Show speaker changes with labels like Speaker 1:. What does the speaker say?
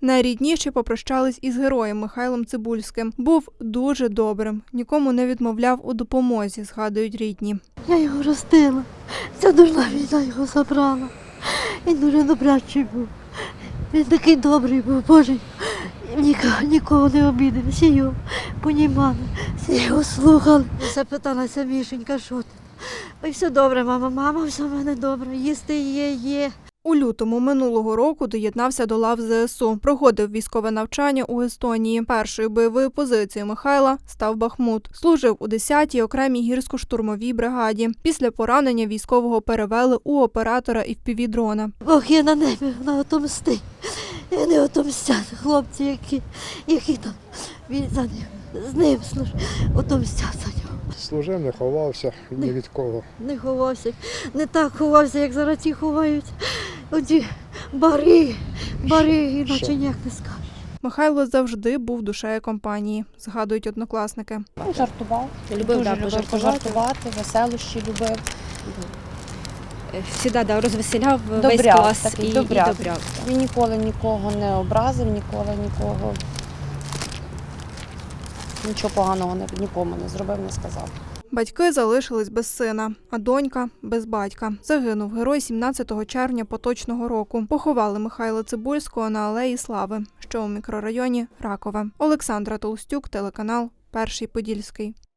Speaker 1: Найрідніші попрощались із героєм Михайлом Цибульським. Був дуже добрим, нікому не відмовляв у допомозі, згадують рідні.
Speaker 2: Я його ростила, ця дурна війна його забрала. Він дуже добрячий був. Він такий добрий був, Боже. Нікого не обідав, всі його понімали, всі його слухали. Запиталася Мішенька, що ти? Ой, все добре, мама, все в мене добре, їсти є.
Speaker 1: У лютому минулого року доєднався до лав ЗСУ. Проходив військове навчання у Естонії. Першою бойовою позицією Михайла став Бахмут. Служив у 10-й окремій гірсько-штурмовій бригаді. Після поранення військового перевели у оператора FPV-дрона.
Speaker 2: Бог є на небі, вона отомсти. І вони отомстять, хлопці, які там з ним отомстять за нього.
Speaker 3: Служив, не ховався ні від кого.
Speaker 2: Не ховався, не так ховався, як зараз ті ховають. Оті бари, іначе ніяк не скажеш.
Speaker 1: Михайло завжди був душею компанії, згадують однокласники.
Speaker 4: Він жартував,
Speaker 5: Любив
Speaker 4: пожартувати, веселощі любив.
Speaker 5: Всегда розвеселяв весь
Speaker 4: Добряк,
Speaker 5: клас
Speaker 4: такий
Speaker 5: і
Speaker 4: добряк.
Speaker 5: добряк.
Speaker 4: Він ніколи нікого не образив, нікого нічого поганого нікому не зробив, не сказав.
Speaker 1: Батьки залишились без сина, а донька – без батька. Загинув герой 17 червня поточного року. Поховали Михайла Цибульського на Алеї Слави, що у мікрорайоні Ракове. Олександра Толстюк, телеканал «Перший Подільський».